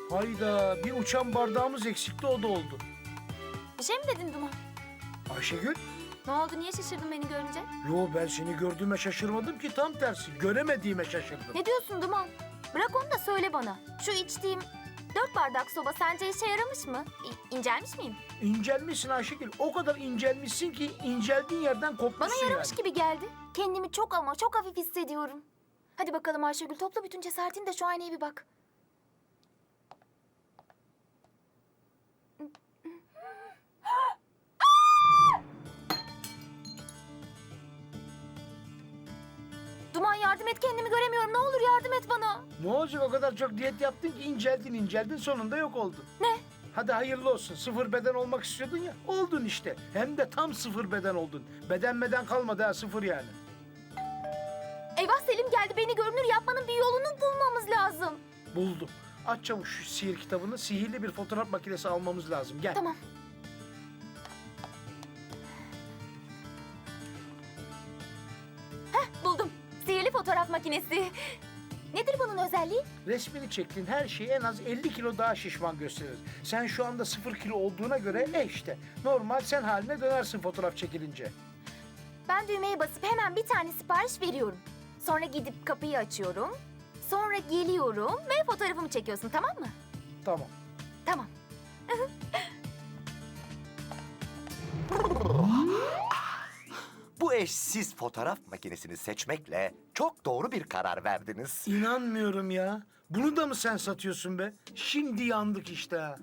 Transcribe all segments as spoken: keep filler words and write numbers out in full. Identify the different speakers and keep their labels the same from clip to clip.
Speaker 1: Hayda, bir uçan bardağımız eksikti, o da oldu.
Speaker 2: Bir şey mi dedin Duman?
Speaker 1: Ayşegül?
Speaker 2: Ne oldu? Niye şaşırdın beni görünce?
Speaker 1: Yo, ben seni gördüğüme şaşırmadım ki, tam tersi. Göremediğime şaşırdım.
Speaker 2: Ne diyorsun Duman? Bırak onu da söyle bana. Şu içtiğim dört bardak soba sence işe yaramış mı? İ- incelmiş miyim?
Speaker 1: İncelmişsin Ayşegül. O kadar incelmişsin ki inceldiğin yerden kopmuşsun
Speaker 2: Bana yaramış
Speaker 1: yani.
Speaker 2: gibi geldi. Kendimi çok ama çok hafif hissediyorum. Hadi bakalım Ayşegül, topla bütün cesaretini de şu aynaya bir bak. Duman, yardım et, kendimi göremiyorum. Ne olur yardım et bana.
Speaker 1: Ne olacak, o kadar çok diyet yaptın ki inceldin inceldin, sonunda yok oldun.
Speaker 2: Ne?
Speaker 1: Hadi hayırlı olsun. Sıfır beden olmak istiyordun ya. Oldun işte. Hem de tam sıfır beden oldun. Beden beden kalmadı ha, sıfır yani.
Speaker 2: Eyvah, Selim geldi. Beni görünür yapmanın bir yolunu bulmamız lazım.
Speaker 1: Buldum. Aç çabuk şu sihir kitabını. Sihirli bir fotoğraf makinesi almamız lazım. Gel.
Speaker 2: Tamam. Heh, buldum. Sihirli fotoğraf makinesi. Nedir bunun özelliği?
Speaker 1: Resmini çektiğin her şeyi en az elli kilo daha şişman gösterir. Sen şu anda sıfır kilo olduğuna göre e işte. Normal sen haline dönersin fotoğraf çekilince.
Speaker 2: Ben düğmeye basıp hemen bir tane sipariş veriyorum. Sonra gidip kapıyı açıyorum. Sonra geliyorum ve fotoğrafımı çekiyorsun, tamam mı?
Speaker 1: Tamam.
Speaker 2: Tamam.
Speaker 3: Bu eşsiz fotoğraf makinesini seçmekle çok doğru bir karar verdiniz.
Speaker 1: İnanmıyorum ya. Bunu da mı sen satıyorsun be? Şimdi yandık işte ha.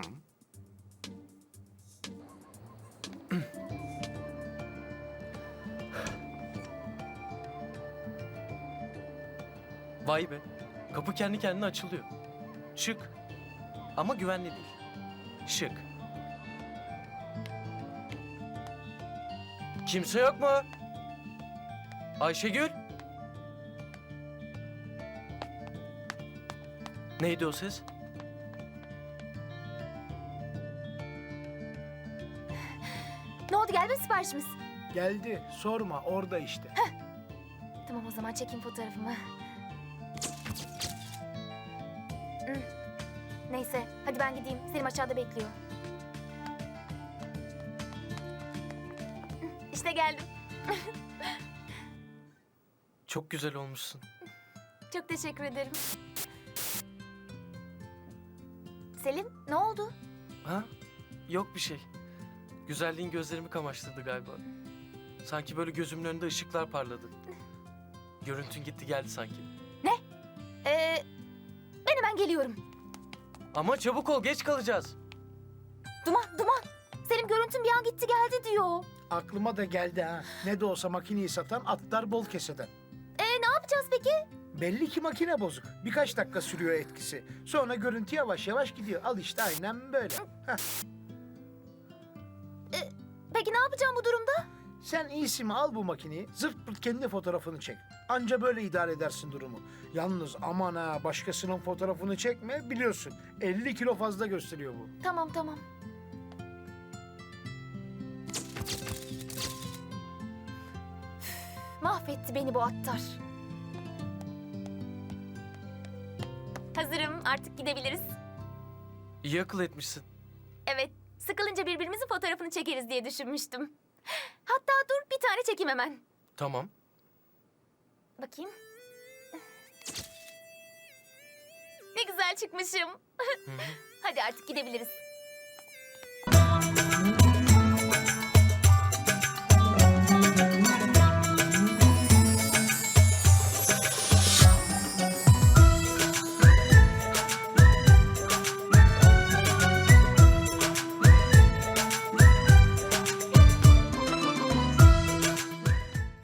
Speaker 4: Vay be. Kapı kendi kendine açılıyor. Şık. Ama güvenli değil. Şık. Kimse yok mu? Ayşegül? Neydi o ses?
Speaker 2: Ne oldu, geldi mi siparişimiz?
Speaker 1: Geldi. Sorma, orada işte.
Speaker 2: Tamam, o zaman çekeyim fotoğrafımı. Hmm. Neyse, hadi ben gideyim. Selim aşağıda bekliyor. Hmm, İşte geldim.
Speaker 4: Çok güzel olmuşsun.
Speaker 2: Çok teşekkür ederim. Selim, ne oldu?
Speaker 4: Ha? Yok bir şey. Güzelliğin gözlerimi kamaştırdı galiba. Sanki böyle gözümün önünde ışıklar parladı. Görüntün gitti geldi sanki.
Speaker 2: Ee, ben hemen geliyorum.
Speaker 4: Ama çabuk ol, geç kalacağız.
Speaker 2: Duman, Duman. Selim, görüntüm bir an gitti geldi diyor.
Speaker 1: Aklıma da geldi ha. Ne de olsa makineyi satan atlar bol keseden.
Speaker 2: Ee, ne yapacağız peki?
Speaker 1: Belli ki makine bozuk. Birkaç dakika sürüyor etkisi. Sonra görüntü yavaş yavaş gidiyor. Al işte aynen böyle. Heh.
Speaker 2: Peki ne yapacağım bu durumda?
Speaker 1: Sen iyisi mi, al bu makineyi, zırt pırt kendi fotoğrafını çek. Anca böyle idare edersin durumu. Yalnız aman ha, başkasının fotoğrafını çekme, biliyorsun. elli kilo fazla gösteriyor bu.
Speaker 2: Tamam, tamam. Üf, mahvetti beni bu attar. Hazırım, artık gidebiliriz.
Speaker 4: İyi akıl etmişsin.
Speaker 2: Evet, sıkılınca birbirimizin fotoğrafını çekeriz diye düşünmüştüm. Hatta dur, bir tane çekeyim hemen.
Speaker 4: Tamam.
Speaker 2: Bakayım. Ne güzel çıkmışım.
Speaker 4: Hı hı.
Speaker 2: Hadi artık gidebiliriz.